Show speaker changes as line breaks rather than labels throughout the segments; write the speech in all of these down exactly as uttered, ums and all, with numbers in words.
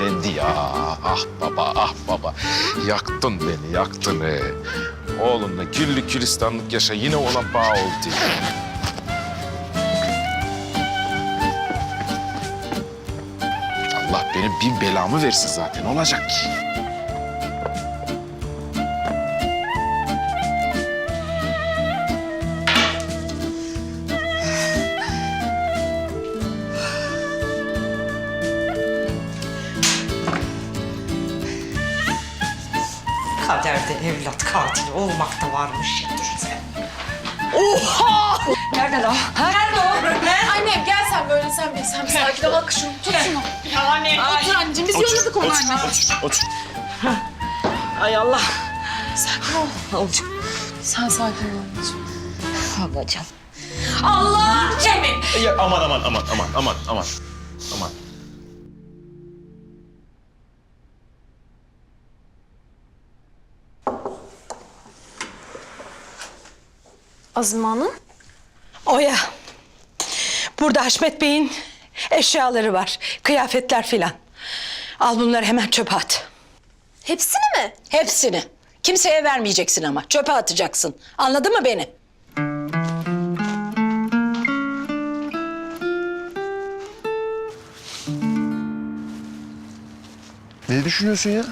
sinirlendi ya. Ah baba, ah baba. Yaktın beni, yaktın he. Oğlunla güllük gülistanlık yaşa, yine ona bağ oldu. Allah benim bin belamı versin zaten, olacak ki.
Kaderde evlat katili olmak da varmış ya, dur sen. Oha!
Nerede lan? Ha?
Nerede o? Ne?
Annem gel sen böyle sen bir sen bir sakin ol. Bak şunu tut şunu.
Yani.
Otur anneciğim biz yolladık onu anne.
Otur, otur.
Ay Allah.
Sakin ol.
Olacak.
Sen sakin ol anneciğim.
Babacığım. Allah Cemil.
Ya aman aman aman aman aman aman. Aman.
Azime Hanım.
Oya. Burada Haşmet Bey'in eşyaları var. Kıyafetler filan. Al bunları hemen çöpe at.
Hepsini mi?
Hepsini. Kimseye vermeyeceksin ama. Çöpe atacaksın. Anladın mı beni?
Ne düşünüyorsun ya?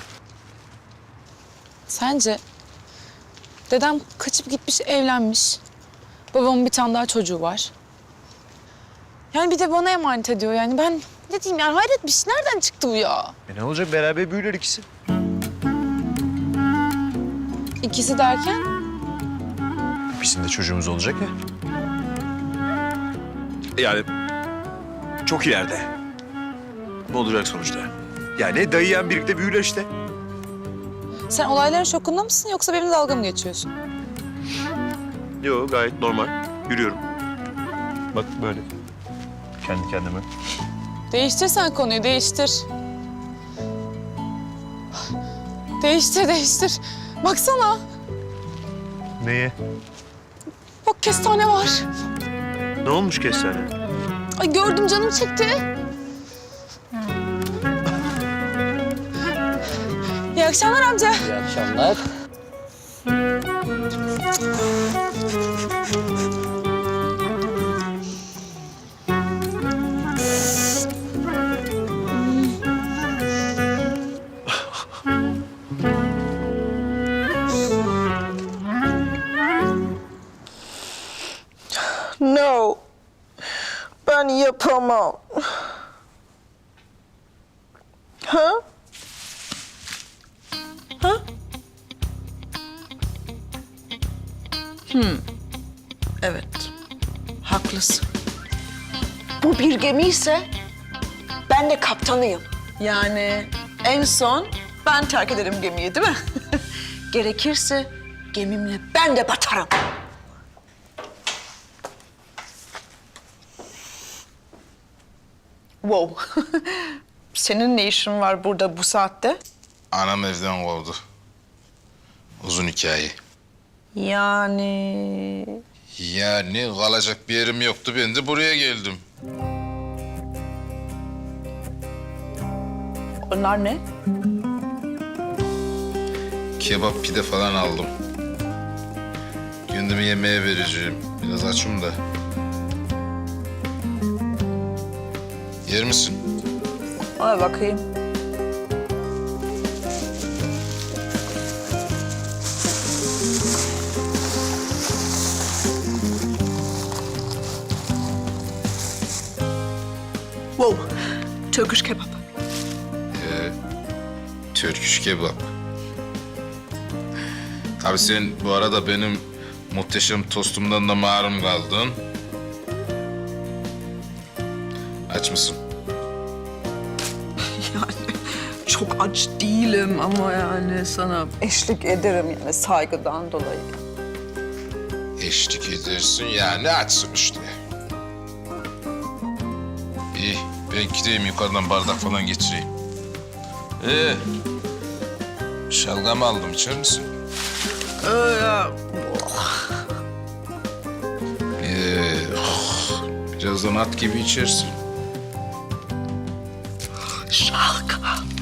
Sence dedem kaçıp gitmiş, evlenmiş. Babamın bir tane daha çocuğu var. Yani bir de bana emanet ediyor yani. Ben ne diyeyim yani, hayret bir şey. Nereden çıktı bu ya?
E ne olacak, beraber büyürler ikisi.
İkisi derken?
Bizim de çocuğumuz olacak ya. Yani çok ileride. Ne olacak sonuçta? Yani dayı yeğen birlikte büyürler işte.
Sen olayların şokunda mısın yoksa benimle dalga mı geçiyorsun?
Yo, gayet normal. Yürüyorum. Bak böyle. Kendi kendime.
Değiştir sen konuyu, değiştir. Değiştir, değiştir. Baksana.
Neye?
Bak kestane var.
Ne olmuş kestane?
Ay gördüm, canım çekti. İyi akşamlar amca.
İyi akşamlar.
No. Ben yapamam. Ha? Ha? Hmm. Evet. Haklısın. Bu bir gemi ise ben de kaptanıyım. Yani en son ben terk ederim gemiyi, değil mi? Gerekirse gemimle ben de batarım. Wow. Senin ne işin var burada bu saatte?
Anam evden kovdu. Uzun hikaye.
Yani...
Yani kalacak bir yerim yoktu, ben de buraya geldim.
Onlar ne?
Kebap, pide falan aldım. Gündeme yemeğe vereceğim. Biraz açım da. Yer misin?
Ona bakayım. Wow. Turkish kebap.
Ee, Türküş kebap. Tabii sen bu arada benim muhteşem tostumdan da mahrum kaldın. Aç mısın?
Yani çok aç değilim ama yani sana eşlik ederim yani saygıdan dolayı.
Eşlik edersin yani, açsın işte. İyi, ben gideyim yukarıdan bardak falan getireyim. Ee, şalgam aldım, içer misin?
Öyle.
Ee, oh, birazdan at gibi içersin.
Şalgam.